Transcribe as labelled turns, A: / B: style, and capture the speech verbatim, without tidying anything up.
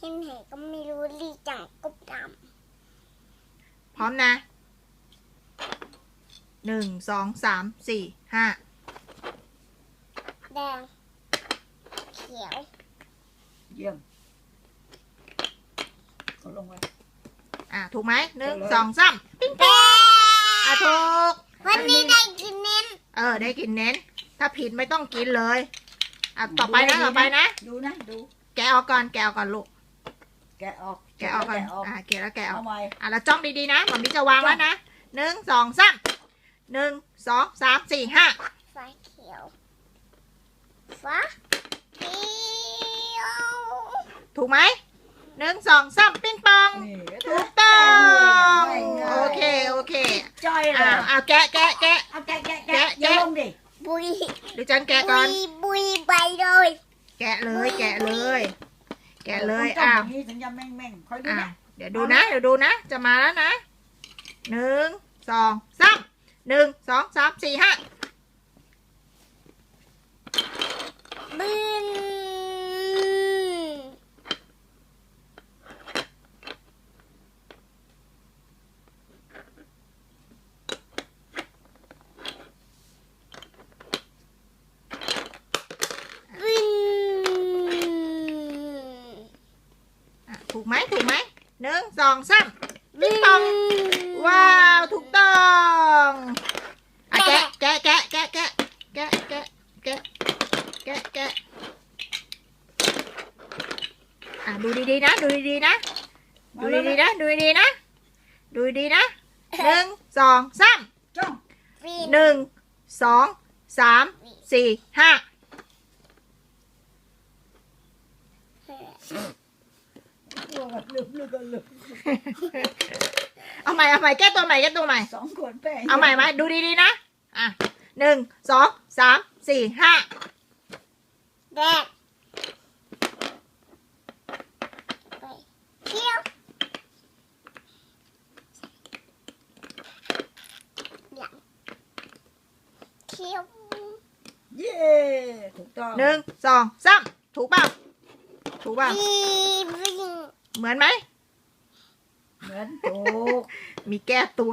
A: ที่ไหนก็ไม่รู้ลีจังกบด
B: พร้อมนะหนึ่งสองสามสี่ห้า
A: ำแดงเขียว
C: เยี่ยมกดลงไป
B: อ่ะถูกไหมหนึ่ง
C: ถูกเลย
B: สองสามปิ้ง
A: แด
B: ปิ้ง
A: ง
B: อ่ะถูก
A: วันนี้ได้กินเน้น
B: เออได้กินเน้น ถ้าผิดไม่ต้องกินเลยอ่ะต่อไปนะต่อไปนะ
C: ดูนะดู
B: แกะออกก่อนแกะออกก่อนลูก
C: แกะออก
B: แกะออกก่อน
C: แกะออก
B: อ่ะแกะแล้วแกะออ
C: เอา
B: ก
C: ใหม่
B: อ่ะแล้วจ้องดีๆนะหมอมีจะวางแล้วนะหนึ่งสองสามหนึ่งสองสามสี่ห้า
A: ฟ้าเขียวฟ้าเขียว
B: ถูกไหมหนึ่งสองสามปิ้งปอง
C: นี่
B: ถูกต้อง
C: ง่ายๆ
B: โอเคโอเค
C: จ้อยเล
B: อ่าย อ่ะแกะแกะแกะ
C: เอาแกะแกะ
B: แกะ
C: แกะอย่า
B: แกะ
C: ลงดิ
A: บุย
B: ดิฉันแกะ
A: บุ
B: ก่อน
A: ยบุยไปเลย
B: แกะเลยแกะเลย แกะเลย
C: ต้ง
B: อ้า
C: อ
B: ว
C: ย่างนี้ถึงจะแม่งแม่งๆคอยดู
B: อ่ะ
C: นะ
B: เดี๋ยวดูนะ เดี๋ยวดูนะ จะมาแล้วนะหนึ่งสองสามหนึ่งสองสามสี่ห้า
A: บึน บึน
B: อ่ะถูกไหมถูกไหมหนึ่งสองสามปิ้งปอง ว้าวถูกต้องอ่ะแกะแกะแกะแกะแกะแกะแกะแกะแกะแกะอ่ะดูดีๆนะดูดีๆนะดูดีๆนะดูดีๆนะดูดีๆนะหนึ่งสองสาม
C: จ้อง
A: บิน
B: หนึ่งสองสามสี่ห้า
C: ลืมลืมลืมลืม
B: เอาใหม่เอาใหม่แก้ตัวใหม่แก้ตัวใหม่
C: สองขวดแป้ง
B: เอาใหม่ไหมดูดีๆนะอ่ะหนึ่งสองสามสี่ห้า
A: แดงไปเขียวหลังเขียว
C: เย้ถูกต้อง
B: หนึ่งสองสามถูกเปล่าถูกเปล่า
A: บีบิง
B: เหมือนไหม
C: เหมือนถูก
B: มีแก้ตัว